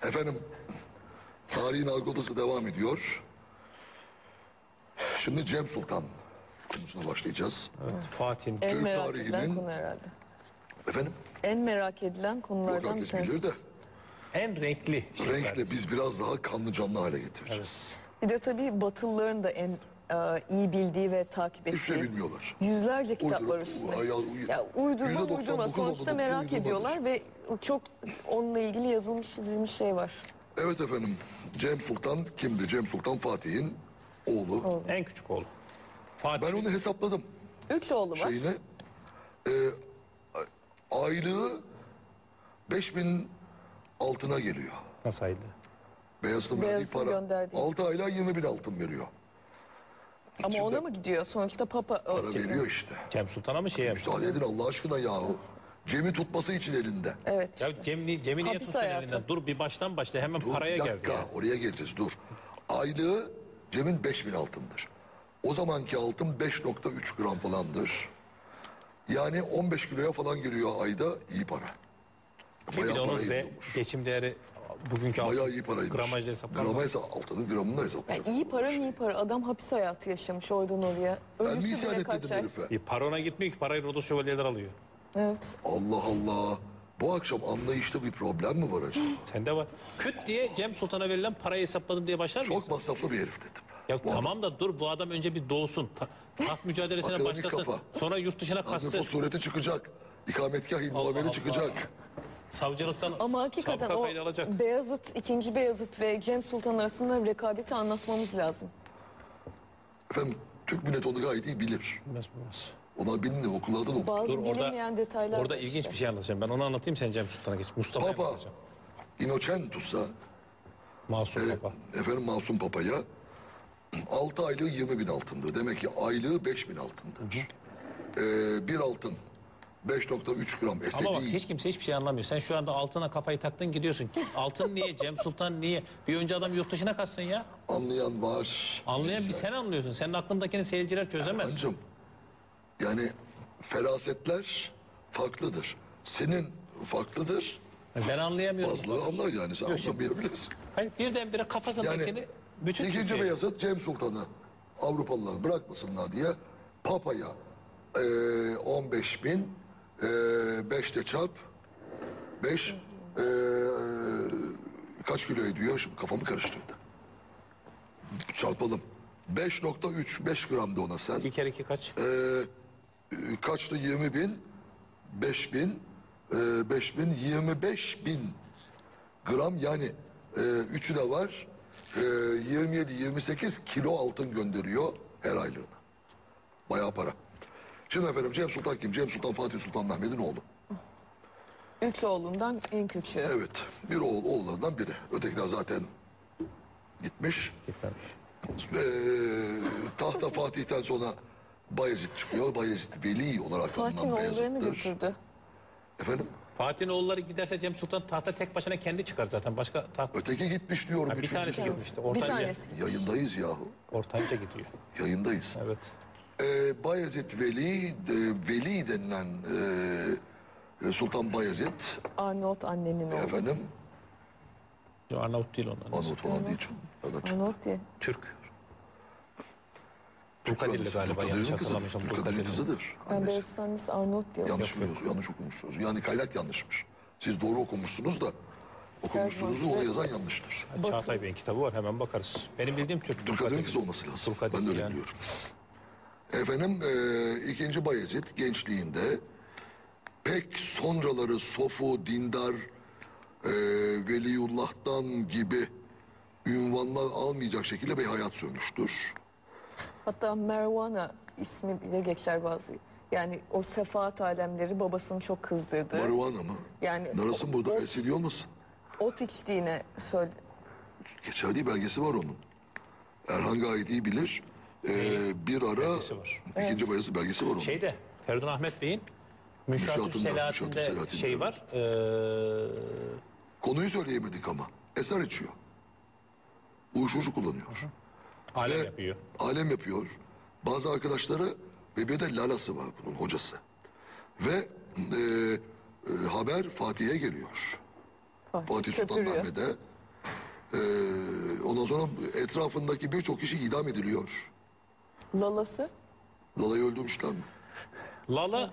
Efendim, tarihin argodası devam ediyor. Şimdi Cem Sultan konusuna başlayacağız. Evet, Fatih'in. En Türk merak edilen tarihinin- konu herhalde. Efendim, En merak edilen yok konulardan bir herkes tanesi. bilir de En renkli şehzadesi. renkle biz biraz daha kanlı canlı hale getireceğiz. Evet. Bir de tabii Batılıların da en iyi bildiği ve takip Hiçbir şey ettiği bilmiyorlar. yüzlerce kitap var Uydurup- üstünde. ya, Uydurma %99 sonuçta uydurmadır, merak uydurmadır. ediyorlar ve çok onunla ilgili yazılmış çizilmiş şey var. Evet efendim, Cem Sultan kimdi? Cem Sultan Fatih'in oğlu. En küçük oğlu. Fatih. Ben onu hesapladım. 3 oğlu var. Şeyine. Aylığı 5.000 altına geliyor. Nasıl aydı? Beyazıt'ın verdiği Beyazıt'ın para. gönderdiği. 6 aylığa 20.000 altın veriyor. Ama İçinde ona mı gidiyor? Sonuçta Papa para veriyor işte. Cem Sultan'a mı şey yapıyor? Müsaade edin Allah aşkına yahu. Cem'i tutması için elinde. Evet Ya işte. Cem'i niye Hapis tutsun hayatı. elinden? Dur bir baştan başla hemen Dur, paraya bir geldi dakika, ya. oraya geleceğiz dur. Aylığı Cem'in 5.000 altındır. O zamanki altın 5.3 gram falandır. Yani 15 kiloya falan geliyor ayda, iyi para. Ki bir de Bayağı para onun ediyormuş. geçim değeri bugünkü Bayağı iyi paraymış. gramajda hesaplanmaz. Gramajda altının gramında hesaplanıyor. Yani iyi para iyi para. Adam hapis hayatı yaşamış oradan oraya. Ben mi Ölüsü isyan bile et kaç dedim ay. herife? Bir parona gitmiyor ki parayı Rodos şövalyeler alıyor. Evet. Allah Allah. Bu akşam anlayışta bir problem mi var acaba? Sende var. Küt diye Cem Sultan'a verilen parayı hesapladım diye başlar mıyız? Çok masraflı bir herif dedim. Ya Bu tamam da dur bu adam önce bir doğsun. Taht mücadelesine Akademik başlasın. kafa. Sonra yurt dışına adam, kaçsın. nüfus sureti çıkacak. İkametgah Allah ilmuameli Allah. çıkacak. Savcılıktan Ama hakikaten sabıka o kaydı alacak. Beyazıt, 2. Beyazıt ve Cem Sultan arasında rekabeti anlatmamız lazım. Efendim Türk milleti onu gayet iyi bilir. Bilmez. Onlar bilinir okullardan okur. Bazı Dur, orada- bilinmeyen detaylar Orada var ilginç işte. bir şey anlatacağım. Ben onu anlatayım sen Cem Sultan'a geç. Mustafa'ya Papa anlatacağım. Innocentus'a Masum Papa. efendim Masum Papa'ya 6 aylığı 20.000 altındır. Demek ki aylığı 5.000 altındır. Bir altın 5.3 gram Ama bak esedi. hiç kimse hiçbir şey anlamıyor. Sen şu anda altına kafayı taktın gidiyorsun. Altın niye? Cem Sultan niye? Bir önce adam yurt dışına kaçsın ya. Anlayan var. Anlayan bir sen anlıyorsun. Senin aklındakini seyirciler çözemez. Hancım, yani ferasetler farklıdır. Senin farklıdır. Ben anlayamıyorum. Bazıları anlar yani sen anlamayabilirsin. Hayır, birdenbire kafasındakini Yani bütün ikinci Türkiye- Beyazıt Cem Sultan'ı Avrupalılar bırakmasınlar diye Papa'ya 15.000 5'te çarp 5 kaç kilo ediyor? Şimdi kafamı karıştırdı. Çarpalım. 5.3 5 gram da ona sen. 2 kere 2 kaç? Kaçtı 20.000 5.000 5.000 25.000 gram yani üçü de var. 27-28 kilo altın gönderiyor her aylığına. Bayağı para. Şimdi efendim Cem Sultan kim? Cem Sultan Fatih Sultan Mehmet'in oğlu. 3 oğlundan en küçüğü. Evet. Bir oğullarından biri. Ötekiler zaten gitmiş. Gitmemiş. Tahta Fatih'ten sonra Bayezid çıkıyor. Bayezid Veli olarak Fatih'in anılan oğullarını Beyazıt'tır. götürdü. Efendim? Fatih'in oğulları giderse Cem Sultan tahta tek başına kendi çıkar zaten. Başka taht... Öteki gitmiş diyorum. Ha, bir tanesi üçüncüsü. gitmişti. Bir Ortanca, tanesi. Yayındayız yahu. ortanca gidiyor. Yayındayız. Evet. Bayezid Veli, Veli denilen Sultan Bayezid Arnavut annenin oğlu. efendim Yo, Arnavut değil onlar. Arnavut falan değil canım. Nereden çıktı? Arnavut diye. Türk. Türk Dulkadirli annesi, galiba Dulkadir'in yanlış kızıdır. hatırlamıyorsam. Dulkadir'in Dulkadirli. kızıdır. Ben Annesi. Beyazıt annesi Arnavut diyor. Yanlış biliyorsunuz, yanlış okumuşsunuz. Yani kaynak yanlışmış. Siz doğru okumuşsunuz da okumuşsunuz da onu yazan yanlıştır. Çağatay Bey'in kitabı var hemen bakarız. Benim bildiğim Türk. Dulkadir'in kızı olması lazım. Dulkadir Ben de öyle yani. biliyorum. Efendim ikinci Bayezid gençliğinde pek sonraları sofu, dindar, Veliyullah'tan gibi ünvanlar almayacak şekilde bir hayat sürmüştür. Hatta Mervana ismi bile geçer bazı. Yani o sefaat alemleri babasını çok kızdırdı. Marihuana mı? Yani Narasın burada esiliyor musun? ot içtiğine söyle. Geçerli belgesi var onun. Erhan gayet iyi bilir. Bir ara Belgesi var. ikinci Bayezid belgesi var onun. Şeyde Feridun Ahmet Bey'in Müşahat-ü Müşahat-ı Selahattin'de Selahattin'de, şey evet. var. Konuyu söyleyemedik ama. Eser içiyor. Uyuşturucu kullanıyor. Alem Ve yapıyor. alem yapıyor. Bazı arkadaşları ve bir de lalası var bunun hocası. Ve haber Fatih'e geliyor. Fatih Sultan köpürüyor. Mehmet'e Ondan sonra etrafındaki birçok kişi idam ediliyor. Lalası? Lala'yı öldürmüşler mi? Lala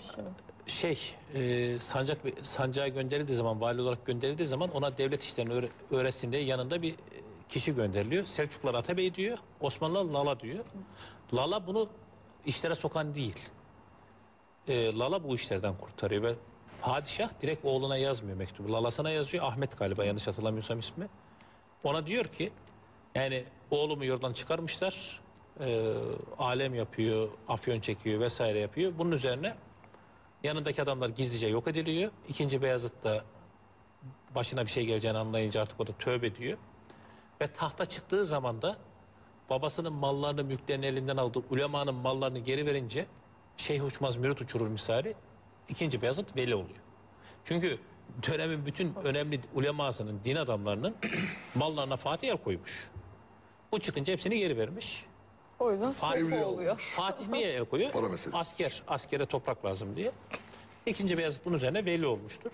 sancağa gönderildiği zaman, vali olarak gönderildiği zaman ona devlet işlerini öğretsin diye yanında bir kişi gönderiliyor. Selçuklular Atabey diyor, Osmanlılar Lala diyor. Lala bunu işlere sokan değil. Lala bu işlerden kurtarıyor ve padişah direkt oğluna yazmıyor mektubu. Lalasına yazıyor, Ahmet galiba yanlış hatırlamıyorsam ismi. Ona diyor ki yani oğlumu yoldan çıkarmışlar, alem yapıyor, afyon çekiyor vesaire yapıyor. Bunun üzerine yanındaki adamlar gizlice yok ediliyor. İkinci Beyazıt da başına bir şey geleceğini anlayınca artık o da tövbe diyor. Ve tahta çıktığı zaman da babasının mallarını, mülklerini elinden aldı. Ulemanın mallarını geri verince şeyh uçmaz mürit uçurur misali. İkinci Beyazıt veli oluyor. Çünkü dönemin bütün önemli ulemasının, din adamlarının mallarına Fatih el koymuş. Bu çıkınca hepsini geri vermiş. O yüzden Fatih sayfa oluyor. Fatih niye el koyuyor? Para meselesi. Askere toprak lazım diye. İkinci Beyazıt bunun üzerine veli olmuştur.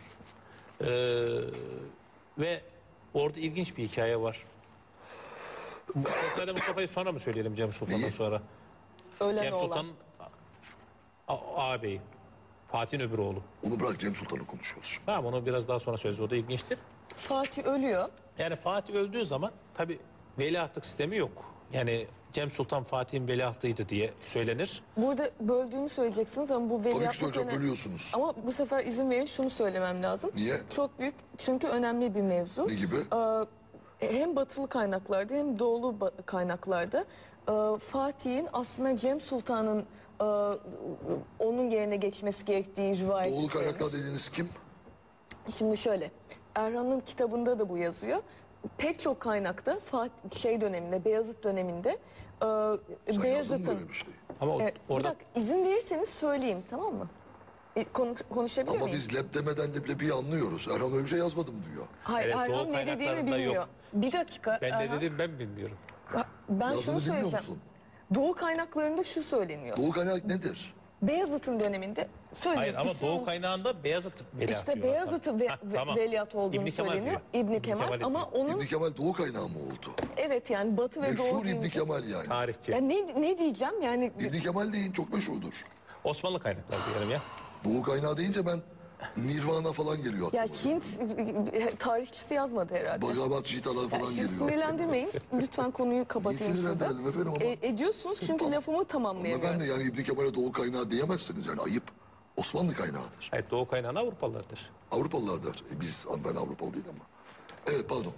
Ve orada ilginç bir hikaye var. Şehzade Mustafa'yı sonra mı söyleyelim Cem Sultan'dan sonra? Ölen Cem oğlan. Sultan'ın ağabeyi. Fatih'in öbür oğlu. Onu bırak, Cem Sultan'ı konuşuyoruz şimdi. Tamam, onu biraz daha sonra söyleriz. O da ilginçtir. Fatih ölüyor. Yani Fatih öldüğü zaman tabi veliahtlık sistemi yok. Yani Cem Sultan Fatih'in veliahtıydı diye söylenir. Burada böldüğümü söyleyeceksiniz ama bu Tabii ki veliahtlık söyleyeceğim, bölüyorsunuz. Ama bu sefer izin verin şunu söylemem lazım. Niye? Çok büyük çünkü önemli bir mevzu. Ne gibi? Hem batılı kaynaklarda hem doğulu kaynaklarda Fatih'in aslında Cem Sultan'ın onun yerine geçmesi gerektiği rivayeti Doğulu söylenir. kaynaklar dediğiniz kim? Şimdi şöyle, Erhan'ın kitabında da bu yazıyor. Pek çok kaynakta döneminde, Beyazıt döneminde Sen yazdın mı Beyazıt'ın... böyle bir şey? Ama Bir orada dakika, izin verirseniz söyleyeyim, tamam mı? Konuşabilir Ama miyim? biz leb demeden leblebiyi anlıyoruz. Erhan öyle bir şey yazmadım diyor. Hayır, Evet, Erhan doğu ne dediğini kaynaklarında bilmiyor. yok. Bir dakika. ben Erhan, ne dedim ben bilmiyorum. Ben Yazdığını şunu bilmiyor söyleyeceğim. musun? Doğu kaynaklarında şu söyleniyor. Doğu kaynak nedir? Beyazıt'ın döneminde söyleyeyim. Hayır ama ismini Doğu unut- kaynağında Beyazıt veliaht İşte diyor Beyazıt'ın hatta. Tamam. veliaht olduğunu İbni Kemal söyleniyor. diyor. İbni Kemal ama diyor. onun İbni Kemal Doğu kaynağı mı oldu? evet yani Batı ve Doğu Meşhur İbni deyince... Kemal yani. Tarihçi. Ya ne diyeceğim yani İbni Kemal deyin, çok meşhurdur. Osmanlı kaynakları diyelim ya. Doğu kaynağı deyince ben Nirvana falan geliyor ya aklıma. Hint tarihçisi yazmadı herhalde. Bhagavad Gita'lar Ya falan şimdi geliyor. sinirlendirmeyin. Lütfen konuyu kapatayım Niye şurada. sinirlendirelim efendim ama? Ediyorsunuz çünkü lafımı tamamlayamıyorum. Ben de yani İbni Kemal'e Doğu kaynağı diyemezsiniz yani, ayıp. Osmanlı kaynağıdır. Evet, Doğu kaynağına Avrupalılardır. Avrupalılardır. Ben Avrupalı değil ama. Evet, pardon.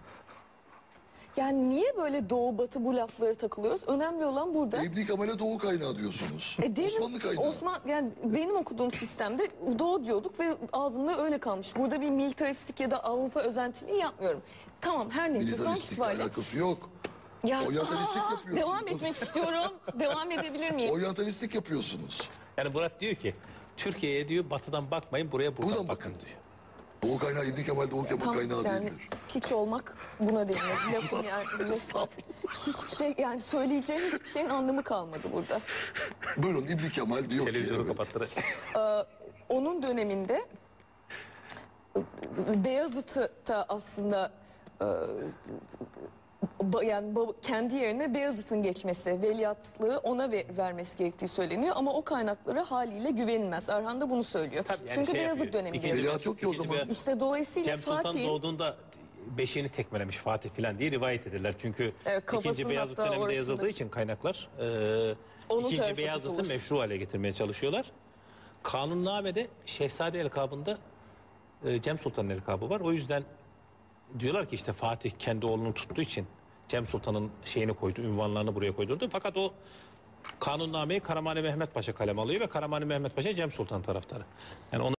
Yani niye böyle Doğu Batı bu laflara takılıyoruz? Önemli olan burada. İbni Kemal'e Doğu kaynağı diyorsunuz. Demin Osmanlı kaynağı. Yani benim okuduğum sistemde Doğu diyorduk ve ağzımda öyle kalmış. Burada bir militaristik ya da Avrupa özentiliği yapmıyorum. Tamam, her neyse sonuç Militaristikle itibariyle. alakası yok. Ya, Oryantalistik yapıyorsunuz. devam etmek istiyorum. Devam edebilir miyim? Oryantalistik yapıyorsunuz. Yani Murat diyor ki Türkiye'ye diyor batıdan bakmayın, buraya buradan Buradan bakın bakın. diyor. Doğu kaynağı İbni Kemal Doğu Kemal Tam kaynağı yani değildir. pik olmak buna deniyor. Lafın yani resmen. Hiçbir şey yani söyleyeceğim hiçbir şeyin anlamı kalmadı burada. Buyurun, İbni Kemal diyor ki Televizyonu evet, kapattıracak. Onun döneminde Beyazıt'ı da aslında yani kendi yerine Beyazıt'ın geçmesi, veliahtlığı ona vermesi gerektiği söyleniyor ama o kaynaklara haliyle güvenilmez. Erhan da bunu söylüyor. Tabii yani Çünkü şey Beyazıt yapıyor. döneminde. İkinci Veliaht yok ki o ikinci zaman. Beyazıt- İşte dolayısıyla Cem Sultan Fatih'in doğduğunda beşiğini tekmelemiş Fatih filan diye rivayet ederler. Çünkü Evet, kafasının ikinci Beyazıt hatta döneminde orasında. yazıldığı için kaynaklar Onun ikinci tarafı Beyazıt'ı tutulur. meşru hale getirmeye çalışıyorlar. Kanunname'de Şehzade elkabında Cem Sultan'ın elkabı var. O yüzden diyorlar ki işte Fatih kendi oğlunu tuttuğu için Cem Sultan'ın şeyini koydu, ünvanlarını buraya koydurdu. Fakat o kanunnameyi Karamani Mehmet Paşa kalem alıyor ve Karamani Mehmet Paşa Cem Sultan taraftarı. Yani onu